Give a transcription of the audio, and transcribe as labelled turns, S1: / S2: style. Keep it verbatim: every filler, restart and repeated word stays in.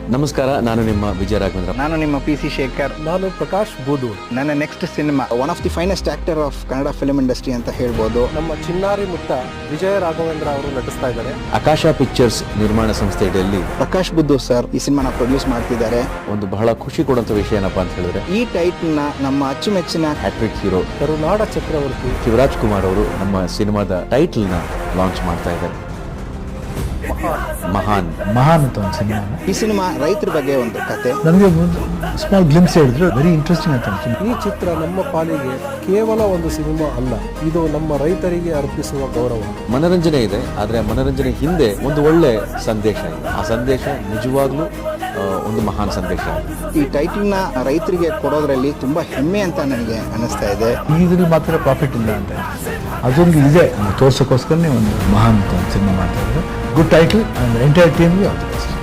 S1: ನಮಸ್ಕಾರ, ನಾನು ನಿಮ್ಮ ವಿಜಯ ರಾಘವೇಂದ್ರ.
S2: ನಾನು ನಿಮ್ಮ ಪಿ ಸಿ ಶೇಖರ್.
S3: ನಾನು ಪ್ರಕಾಶ್ ಬೂದೂರ್.
S2: ನನ್ನ next cinema one of the finest actor of Kannada film industry ಅಂತ ಹೇಳ್ಬೋದು.
S3: ನಮ್ಮ ಚಿನ್ನಾರಿ ಮುತ್ತ ವಿಜಯ ರಾಘವೇಂದ್ರ ಅವರು ನಟಿಸ್ತಾ ಇದ್ದಾರೆ.
S1: ಆಕಾಶ ಪಿಕ್ಚರ್ಸ್ ನಿರ್ಮಾಣ ಸಂಸ್ಥೆ ಅಡಿಯಲ್ಲಿ
S2: ಪ್ರಕಾಶ್ ಬುದ್ದು ಸರ್ ಈ ಸಿನಿಮಾನ ಪ್ರೊಡ್ಯೂಸ್ ಮಾಡ್ತಿದ್ದಾರೆ.
S1: ಒಂದು ಬಹಳ ಖುಷಿ ಕೊಡುವಂತ ವಿಷಯ ಏನಪ್ಪಾ ಅಂತ ಹೇಳಿದ್ರೆ,
S2: ಈ ಟೈಟಲ್ ನ ನಮ್ಮ ಅಚ್ಚುಮೆಚ್ಚಿನ
S1: ಹ್ಯಾಟ್ರಿಕ್ ಹೀರೋ
S3: ಕರುನಾಡ ಚಕ್ರವರ್ತಿ
S1: ಶಿವರಾಜ್ ಕುಮಾರ್ ಅವರು ನಮ್ಮ ಸಿನಿಮಾದ ಟೈಟಲ್ ನ ಲಾಂಚ್ ಮಾಡ್ತಾ ಇದ್ದಾರೆ. ಮಹಾನ್
S4: ಮಹಾನ್ ಅಂತ ಒಂದು ಸಿನಿಮಾ.
S2: ಈ ಸಿನಿಮಾ ರೈತರ ಬಗ್ಗೆ ಒಂದು ಕತೆ.
S4: ನನಗೆ ಒಂದು ಸ್ಮಾಲ್ ಗ್ಲಿಮ್ಸ್ ಹೇಳಿದ್ರು, ವೆರಿ ಇಂಟ್ರೆಸ್ಟಿಂಗ್ ಅಂತ ಅನ್ಸುತ್ತೆ.
S3: ಈ ಚಿತ್ರ ನಮ್ಮ ಪಾಲಿಗೆ ಕೇವಲ ಒಂದು ಸಿನಿಮಾ ಅಲ್ಲ, ಇದು ನಮ್ಮ ರೈತರಿಗೆ ಅರ್ಪಿಸುವ ಗೌರವ.
S1: ಮನರಂಜನೆ ಇದೆ, ಆದ್ರೆ ಮನರಂಜನೆ ಹಿಂದೆ ಒಂದು ಒಳ್ಳೆ ಸಂದೇಶ ಇದೆ. ಆ ಸಂದೇಶ ನಿಜವಾಗ್ಲೂ ಆ, ಒಂದು ಮಹಾನ್ ಸಂದೇಶ.
S2: ಈ ಟೈಟಲ್ ನ ರೈತರಿಗೆ ಕೊಡೋದ್ರಲ್ಲಿ ತುಂಬಾ ಹೆಮ್ಮೆ ಅಂತ ನನಗೆ ಅನಿಸ್ತಾ ಇದೆ.
S4: ಇದ್ರಲ್ಲಿ ಮಾತ್ರ ಪ್ರಾಫಿಟ್ ಇಲ್ಲ ಅಂತ ಅದೊಂದು ಇದೆ ತೋರ್ಸೋಕ್ಕೋಸ್ಕರನೇ ಒಂದು ಮಹಾನ್ ಅಂತ ಒಂದು ಸಿನಿಮಾ ಮಾಡ್ತಾ ಇದ್ದಾರೆ. ಗುಡ್ ಟೈಟಲ್ ಅಂಡ್ ಎಂಟೈರ್ ಟೀಮ್ಗೆ